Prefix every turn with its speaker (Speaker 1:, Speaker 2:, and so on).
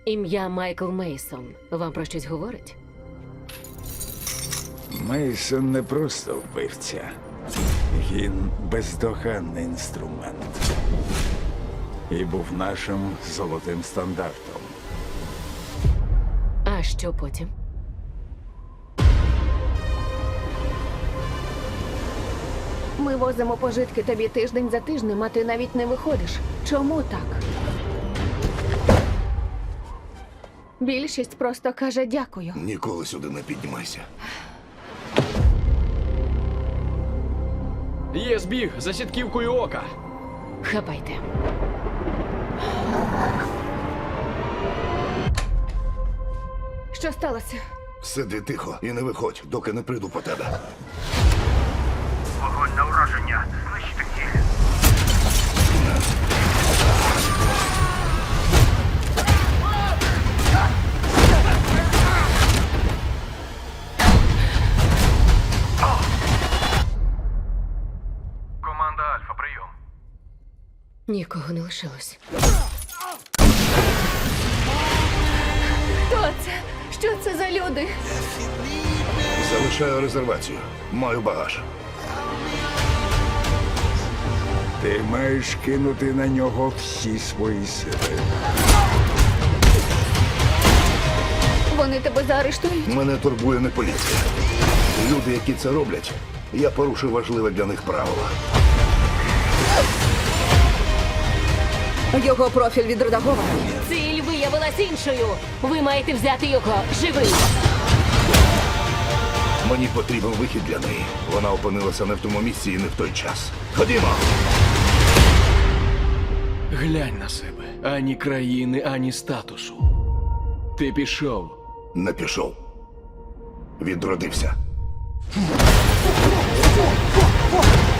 Speaker 1: Ім'я Майкл Мейсон вам про щось говорить?
Speaker 2: Мейсон не просто вбивця. Він бездоганний інструмент. І був нашим золотим стандартом.
Speaker 1: А що потім?
Speaker 3: Ми возимо пожитки тобі тиждень за тижнем, а ти навіть не виходиш. Чому так? Більшість просто каже дякую.
Speaker 4: Ніколи сюди не піднімайся.
Speaker 5: Є збіг за сітківкою ока.
Speaker 1: Хапайте.
Speaker 3: Що сталося?
Speaker 4: Сиди тихо і не виходь, доки не прийду по тебе.
Speaker 6: Вогонь на ураження. Знищити ціль. Команда Альфа, прийом.
Speaker 1: Нікого не лишилось.
Speaker 3: Хто це? Що це за люди?
Speaker 4: Залишаю резервацію. Маю багаж.
Speaker 2: Ти маєш кинути на нього всі свої сили.
Speaker 3: Вони тебе заарештують?
Speaker 4: Мене турбує не поліція. Люди, які це роблять, я порушив важливе для них правило.
Speaker 3: Його профіль відредагований.
Speaker 1: Ціль виявилась іншою. Ви маєте взяти його живий.
Speaker 4: Мені потрібен вихід для неї. Вона опинилася не в тому місці і не в той час. Ходімо!
Speaker 5: Глянь на себе. Ані країни, ані статусу. Ти пішов.
Speaker 4: Не пішов. Відродився.